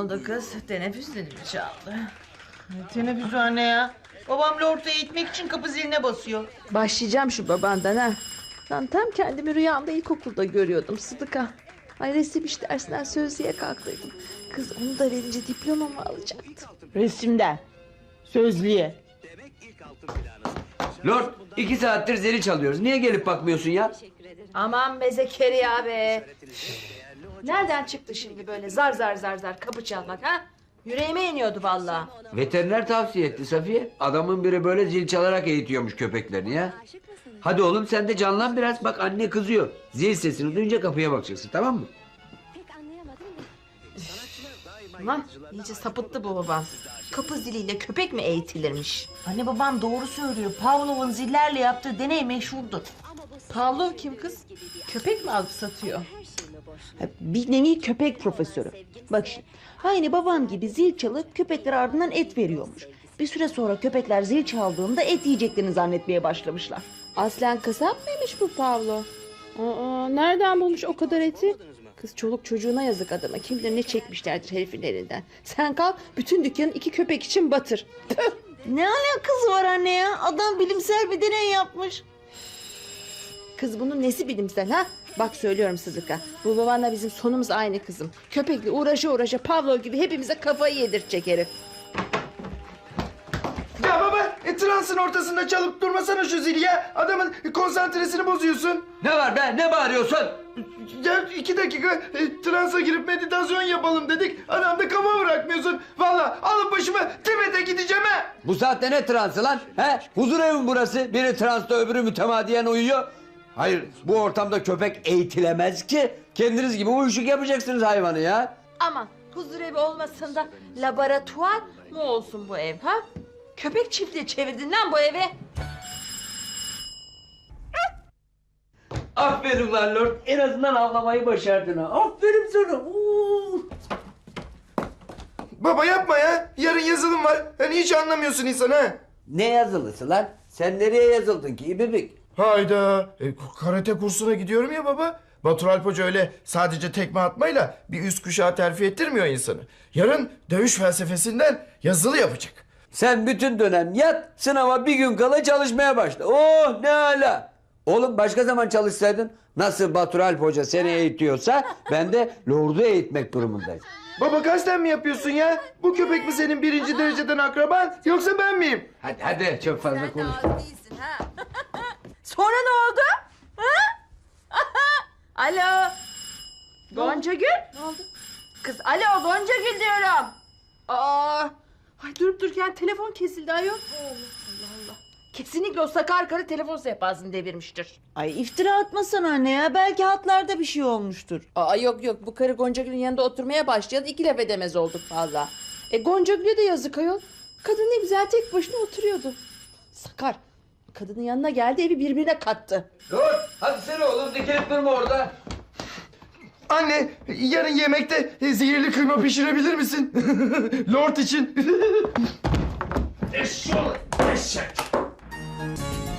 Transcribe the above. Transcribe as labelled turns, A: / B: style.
A: oldu kız? Teneffüs zili çaldı.
B: Teneffüs anne ya. Babam Lord'u eğitmek için kapı ziline basıyor.
C: Başlayacağım şu babandan ha. Lan tam kendimi rüyamda ilkokulda görüyordum Sıdıka. Ay resim iş dersinden sözlüğe kalktıydım. Kız onu da verince diplomamı alacaktım.
B: Resimden. Sözlüğe.
D: Lord 2 saattir zili çalıyoruz. Niye gelip bakmıyorsun ya?
A: Aman be Zekeriya be. Nereden çıktı şimdi böyle zar zar zar zar kapı çalmak ha? Yüreğime iniyordu vallahi.
D: Veteriner tavsiye etti Safiye. Adamın biri böyle zil çalarak eğitiyormuş köpeklerini ya. Hadi oğlum sen de canlan biraz. Bak anne kızıyor. Zil sesini duyunca kapıya bakacaksın, tamam mı?
A: Aman iyice sapıttı bu babam. Kapı ziliyle köpek mi eğitilirmiş?
B: Anne babam doğru söylüyor. Pavlov'un zillerle yaptığı deney meşhurdur.
A: Pavlov kim kız? Köpek mi alıp satıyor?
E: Bir nevi köpek profesörü. Bak şimdi. Aynı babam gibi zil çalıp köpekler ardından et veriyormuş. Bir süre sonra köpekler zil çaldığında et yiyeceklerini zannetmeye başlamışlar.
C: Aslen kasap mıymış bu Pavlo? Aa, nereden bulmuş o kadar eti? Kız çoluk çocuğuna yazık adama. Kim bilir ne çekmişlerdir herifin elinden. Sen kalk bütün dükkanı 2 köpek için batır. Tüh!
E: Ne alakası var anne ya? Adam bilimsel bir deney yapmış.
C: Kız bunun nesi bilimsel ha? Bak söylüyorum Sıdıka. Bu babanla bizim sonumuz aynı kızım. Köpekle uğraşa Pavlov gibi hepimize kafayı yedirecek herif.
F: Ya baba, transın ortasında çalıp durmasana şu zili ya. Adamın konsantresini bozuyorsun.
D: Ne var be? Ne bağırıyorsun?
F: Ya 2 dakika transa girip meditasyon yapalım dedik. Adam da kafa bırakmıyorsun. Vallahi alıp başımı Tibet'e gideceğim ha.
D: Bu saatte ne transı lan? He? Huzur evi mi burası? Biri transta öbürü mütemadiyen uyuyor. Hayır, bu ortamda köpek eğitilemez ki. Kendiniz gibi uyuşuk yapacaksınız hayvanı ya.
A: Aman huzurevi olmasın da laboratuvar mı olsun bu ev ha? Köpek çiftliği çevirdin lan bu eve.
D: Aferin lan Lord. En azından avlamayı başardın ha. Aferin sana.
F: Baba yapma ya. Yarın yazılım var. Hani hiç anlamıyorsun insan ha.
D: Ne yazılısı lan? Sen nereye yazıldın ki İbibik?
F: Hayda. Karate kursuna gidiyorum ya baba. Batur Alp Hoca öyle sadece tekme atmayla bir üst kuşağı terfi ettirmiyor insanı. Yarın dövüş felsefesinden yazılı yapacak.
D: Sen bütün dönem yat, sınava bir gün kala çalışmaya başla. Oh ne âlâ. Oğlum başka zaman çalışsaydın, nasıl Batur Alp Hoca seni eğitiyorsa ben de Lord'u eğitmek durumundayım.
F: Baba kasten mi yapıyorsun ya? Bu köpek mi senin 1. dereceden akraban yoksa ben miyim?
D: Hadi çok fazla konuşma.
A: değilsin ha. Sonra ne oldu? Ha? Alo. Gonca Gül. Ne oldu? Kız alo Gonca Gül diyorum. Aa. Ay durup dururken telefon kesildi ayol. Allah Allah. Kesinlikle o sakar karı telefon sehpasını devirmiştir.
E: Ay iftira atmasana anne ya. Belki hatlarda bir şey olmuştur.
C: Aa yok bu karı Gonca Gül'ün yanında oturmaya başlayalı 2 laf edemez olduk valla. Gonca Gül'e de yazık ayol. Kadın ne güzel tek başına oturuyordu. Sakar. Kadının yanına geldi evi birbirine kattı.
D: Dur, hadi sen oğlum dikilip durma orada.
F: Anne yarın yemekte zehirli kıyma pişirebilir misin? Lord için.
G: Eşşoğlu eşek.